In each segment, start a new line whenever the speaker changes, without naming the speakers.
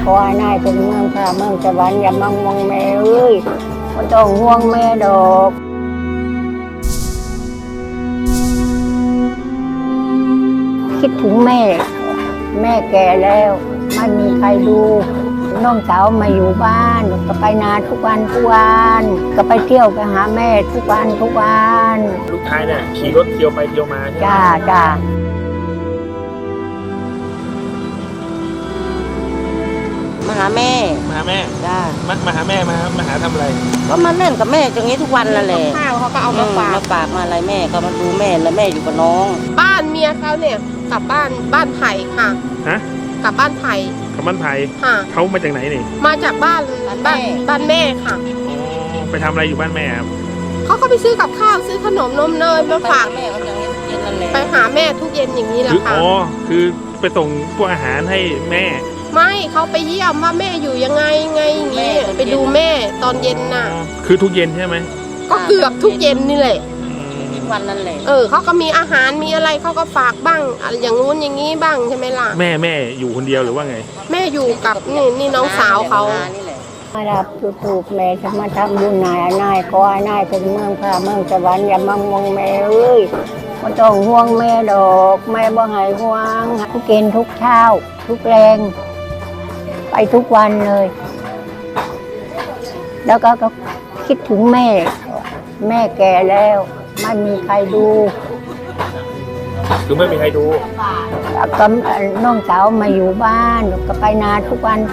ขอให้นายเป็นเมืองค่ะเมืองสวรรค์อย่ามามองแม่เอ้ยไม่ต้องห่วงแม่ดอกคิดถึงแม่ แม่แก่แล้วไม่มีใครดูน้องสาวมาอยู่บ้านก็ไปนาทุกวันก็ไปเที่ยวไปหาแม่ทุกวัน
ลูกชายเนี่ยขี่รถเที่ยวไปเที่ยวมาใช่ไหม
จ้า
มาหาแม่
มาหาแม่
จ้า
มาหาแม่มาหาทำอะไร
ก็มาเล่นกับแม่อย่างนี้ทุกวันนั่นแหละ
ข้าวเขาก็เอามาฝาก
มาฝากมาอะไรแม่ก็มาดูแม่แล้วแม่อยู่กับน้อง
บ้านเมียเขาเนี่ยกลับบ้านไผ่ค่ะ
ฮะ
กลับบ้านไผ่
กับบ้านไผ่
ค่ะ
เขามาจากไหนนี่
มาจากบ้านแม่ค่ะ
อ๋อไปทำอะไรอยู่บ้านแม่ครับ
เขาก็ไปซื้อกับข้าวซื้อขนมนมเนยมาฝาก
แม่ก็อย่างนี้เย็นนั่นแหละ
ไปหาแม่ทุกเย็นอย่างนี้แหละ
คือ
ค่ะ
อ๋อคือไปส่งพวกอาหารให้แม่
ไม่เขาไปเยี่ยมว่าแม่อยู่ยังไงอย่างนี้ไปดูแม่ตอนเย็นน่ะ
คือทุกเย็นใช่ไหม
ก็เกือบทุกเย็นนี่แหละ
ทุกวันนั่นแหละ
เขาก็มีอาหารมีอะไรเขาก็ฝากบ้างอย่างงู้นอย่างนี้บ้างใช่ไหมล่ะ
แม่อยู่คนเดียวหรือว่าไง
แม่อยู่กับนี่น้องสาวเขา
นี่แหละ
มารับถูกแม่จะมาทำบุญนายขอให้นายเป็นเมืองค่ะเมืองสวรรค์อย่ามามองแม่เอ้ยไม่ต้องห่วงแม่ดอกแม่บ่ให้ห่วงทุกเกณฑ์ทุกเช้าทุกแรงไปทุกวันเลย แล้วก็คิดถึงแม่ แม่แก่แล้วไม่มีใครดู
คือไม่มีใครดู
ก็น้องสาวมาอยู่บ้านก็ไปนาทุกวัน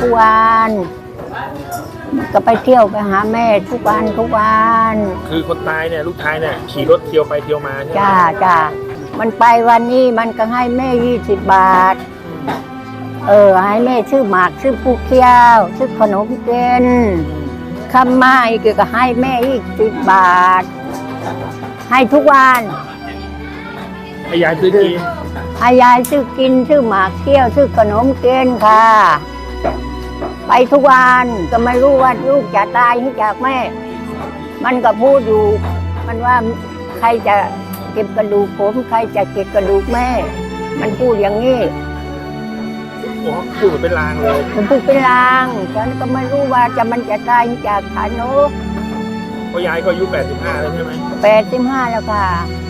ก็ไปเที่ยวไปหาแม่ทุกวัน
คือคนตายเนี่ยลูกชายเนี่ยขี่รถเที่ยวไปเที่ยวมาใช่ไหม
จ้ามันไปวันนี้มันก็ให้แม่20 บาทให้แม่ซื้อหมากซื้อผู้เคี้ยวซื้อขนมเกินคำมาอีกก็ให้แม่อีก10 บาทให้ทุกวัน
ให้ยายซื้อกิน
ให้ยายซื้อกินซื้อหมากเคี้ยวซื้อขนมเกินค่ะ ไปทุกวันก็ไม่รู้ว่าลูกจะตายหรือจากแม่ มันก็พูดอยู่มันว่าใครจะเก็บกระดูกผมใครจะเก็บกระดูกแม่ มันพูดอย่างนี้
โอ้พูดเหมือนเป็นลางเลย
มันพูดเป็นลางฉันก็ไม่รู้ว่ามันจะตายหรือจากขาโน
เพราะยายก็อายุ85แล้วใช่ไหม
85แล้วค่ะ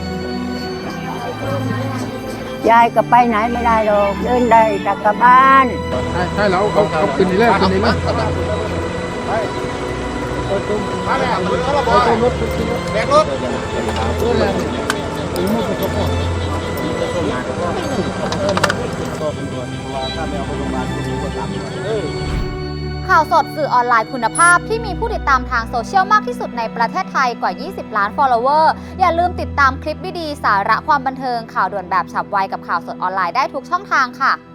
ยายก็ไปไหนไม่ได้หรอกเดินได้แต่กลับบ้าน
ใช่แล้วเอาขึ้นนี่แล้วขึ้นนี่แล้ว
ข่าวสดสื่อออนไลน์คุณภาพที่มีผู้ติดตามทางโซเชียลมากที่สุดในประเทศไทยกว่า 20 ล้าน follower อย่าลืมติดตามคลิปดีๆสาระความบันเทิงข่าวด่วนแบบฉับไวกับข่าวสดออนไลน์ได้ทุกช่องทางค่ะ